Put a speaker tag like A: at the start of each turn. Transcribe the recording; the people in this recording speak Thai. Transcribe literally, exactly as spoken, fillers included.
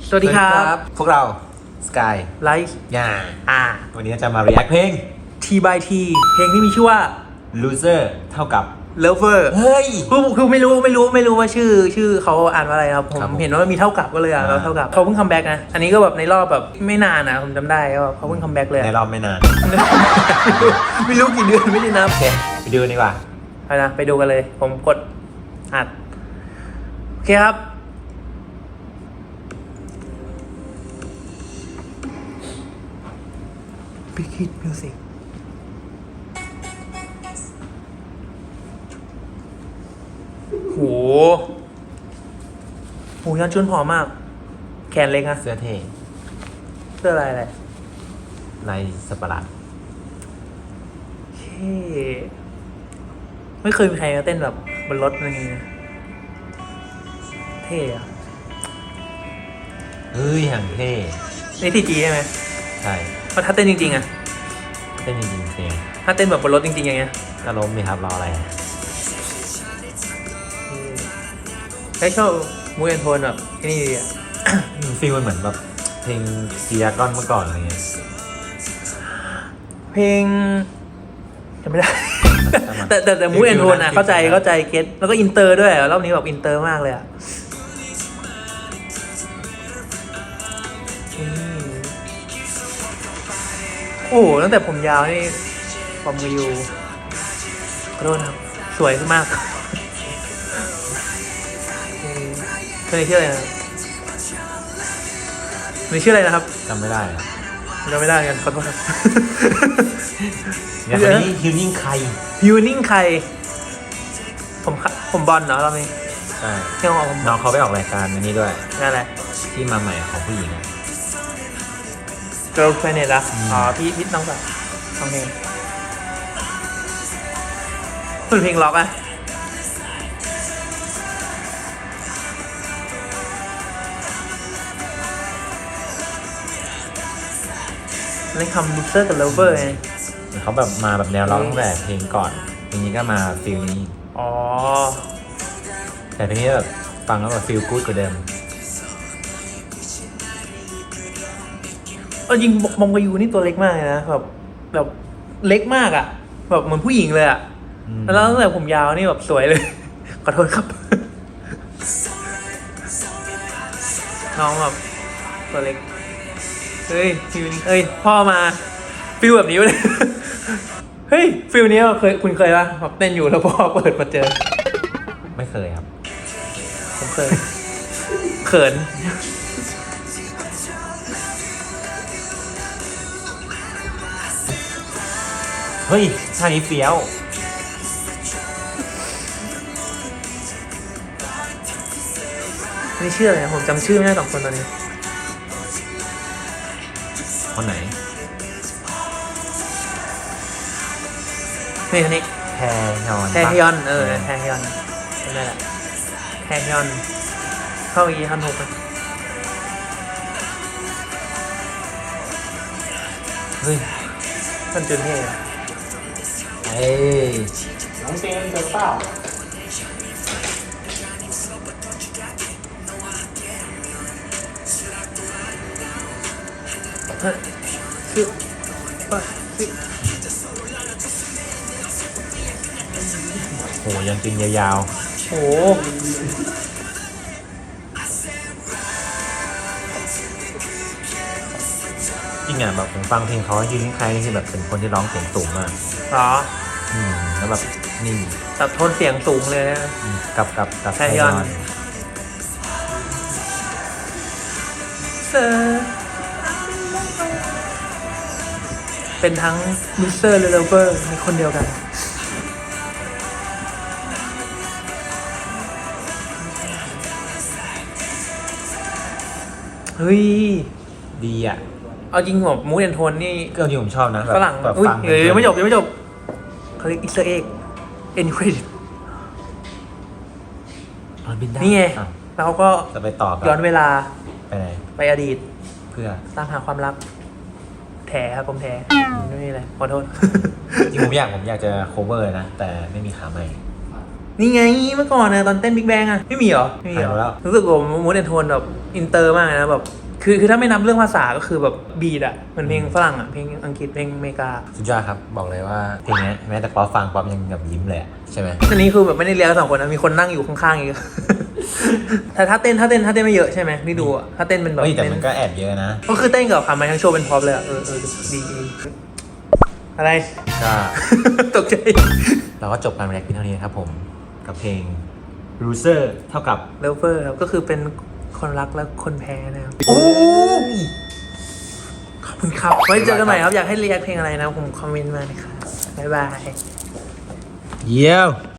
A: สวัสดีครับ
B: พวกเราสกาย
A: ไลฟ์
B: ย่า
A: อ่า
B: วันนี้จะมา react เพลง
A: T by T เพลงที่มีชื่อว่า
B: loser เท่ากับ
A: lover
B: เฮ้ย
A: คือคือไม่รู้ไม่รู้ไม่รู้ว่าชื่อชื่อเขาอ่านว่าอะไรครับผม
B: ครับผม
A: เห็นว่ามีเท่ากับก็เลยอ่ะเราเท่ากับเขาเพิ่งคัมแบ็กนะอันนี้ก็แบบในรอบแบบไม่นานนะผมจำได้ว่าเขาเพิ่งคัมแบ็กเลย
B: ในรอบไม่นาน
A: ไม่รู้กี่เดือนไม่ได้นับ
B: โอเคไปดูดีกว่า
A: ไปนะไปดูกันเลย ผมกดอัดโอเคครับBig Hit Music โหโหยันชุนผอมมาก แขนเล็กอะ
B: เสื้อเท่
A: เสื้ออะไรอะไร
B: ลายสับปะรด
A: เท่ไม่เคยมีใครมาเต้นแบบบนรถอะไรอย่างเงี้ยเท่อะ
B: เฮ้ยอย่างเท่
A: นี่ทีจีใช่ไหม
B: ใช่
A: เพราะถ้าเต้นจริงๆอะ
B: เต้นจริงๆเพลง
A: ถ้าเต้นแบบบนรถจริงๆอย่างเงี้ย
B: ก็ล้มนี่ครับรออะไร
A: ใช้ชอบมูเอนโทนแบบนี่ดีอะ
B: ฟีลมันเหมือนแบบเพลงซียากอนเมื่อก่อนอะไรเงี้ย
A: เพลงจำไม่ได้ แต่แต่แต่มูเอนโทนอะเข้าใจเข้าใจเก็ตแล้วก็อินเตอร์ด้วยรอบนี้แบบอินเตอร์มากเลยอะอืมโอ้โหตั้งแต่ผมยาวนี่ผมมาอยู่ขอโทษนะครับสวยขึ้นมากคนนี้ชื่ออะไรนะคนนี้ชื่ออะไรนะครับ
B: จำไม่ได้อะ
A: จำไม่ได้กันขอโทษครับ
B: เนี่ยคนนี้ฮิวนิ่งใคร
A: ยูนิ่งใครผมผมบอลเนาะเราไม่
B: ใช่
A: เที่ยวของผม
B: น้องเขาไปออกรายการอันนี้ด้วย
A: นั่นแหละ
B: ที่มาใหม่ของผู้หญิงอะ
A: Girl Planet ละ
B: อืม
A: อ๋อพี่พี่น้องสาวน้องเพลงเป็นเพลงล็อกอะเล่นคำ loser กับ lover ไง
B: เขาแบบมาแบบแนวร้องตั้งแต่เพลงก่อนเพลงนี้ก็มาฟิลนี้
A: อ๋อ
B: แต่เพลงนี้แบบฟังแล้วแบบฟิลกู๊ดกว่าเดิม
A: เออจริงมองกายูนี่ตัวเล็กมากเลยนะแบบแบบเล็กมากอะแบบเหมือนผู้หญิงเลยอะ
B: อืม
A: แล้วตั้งแต่ผมยาวนี่แบบสวยเลย ขอโทษครับ น้องแบบตัวเล็กเฮ้ยฟิลนี้เอ้ยพ่อมาฟิลแบบนี้เลย เฮ้ยฟิลนี้เคยคุณเคยปะแบบเต้นอยู่แล้วพ่อเปิดมาเจอ
B: ไม่เคยครับ
A: ผมเคย เขิน
B: เฮ้ยท่านี้เฟี้ยว
A: นี่ชื่ออะไรนะผมจำชื่อไม่ได้สองคนตอนนี้
B: คนไหน
A: นี่คนนี้
B: แพรนอน
A: แทฮยอนเออแทฮยอนจำได้แหละแทฮยอนเข้าอีฮันหกไป
B: เฮ้ย
A: ท่านจุนเท่อะ
B: เอ้ย
C: น้องเจนเจอเปล่า
A: เฮ้ยชื่อว่าชื่อ
B: โหยังจริงยาว
A: โอ้
B: ๆจริงอ่ะแบบผมฟังเพลงเขายืนใครนี่คือแบบเป็นคนที่ร้องเสียงสูงมาก
A: เหรอ
B: อืมแล้วแบบนิ่ง
A: แต่โทนเสียงสูงเลยนะ
B: อืมกับกับกับ
A: แพรยอน เซอร์เป็นทั้งมิสเตอร์และเลเวอร์ในคนเดียวกัน เฮ้ย
B: ดีอ่ะ
A: เอาจริงผมมูดแอนโทนนี่
B: ก็ที่ผมชอบนะแบบ
A: ฝรั่ง
B: แบบ
A: อุ้ย
B: ฟัง
A: เอ้ยยังไม่จบยังไม่จบเขาเรียกอิสเตอร์เอ็กเอ็นเครดิต
B: ตอนบินได้
A: นี่ไง
B: อ้าว
A: แล้วเขาก็
B: จะไปต่อกับ
A: ย้อนเวลา
B: ไปไหน
A: ไปอดีต
B: เพื่อ
A: ตามหาความรัก แถครับผมแถไม่มีอะไรขอโทษ
B: จริงผมอยากผมอยากจะ cover นะ แต่ไม่มีขาใหม่
A: นี่ไงเมื่อก่อนนะตอนเต้นบิ๊กแบงอะไม่มีเหรอไม่มีเหรอ
B: หายไปแล้ว
A: รู้สึกว่ามูดแอนโทนแบบอินเตอร์มากเลยนะแบบคือคือถ้าไม่นับเรื่องภาษาก็คือแบบบีดอะเหมือนเพลงฝรั่งอะเพลงอังกฤษเพลงอเมริกา
B: สุดยอดครับบอกเลยว่าเพลงนี้แม้แต่ป๊อปฟังป๊อปยังแบบยิ้มเลยอะใช่ไหม
A: อันนี้คือแบบไม่ได้เลี้ยงสองคนนะมีคนนั่งอยู่ข้างๆอีก แต่ถ้าเต้นถ้าเต้นถ้าเต้นไม่เยอะใช่ไหมที่ดูอะถ้าเต้นเป็นแบบ
B: เฮ้ยแต่
A: เต้
B: มันก็แอบเยอะนะ
A: ก็คือเต้นกับคำไม้ทั้งโชว์เป็นพร็อพเลยอะเออเออดีดีอะไร
B: ก็
A: ตกใจ
B: เราก็จบการแรปเพียงเท่านี้นะครับผมกับเพลง loser เท่ากับ
A: เลเวอร์ครับก็คือเป็นคนรักและคนแพ้นะครับ
B: โอ้ย
A: ขอบคุณครับไว้เจอกันใหม่ครับอยากให้รีแอคเพลงอะไรนะผมคอมเมนต์มานะครับบ๊ายบาย
B: เยี่ยม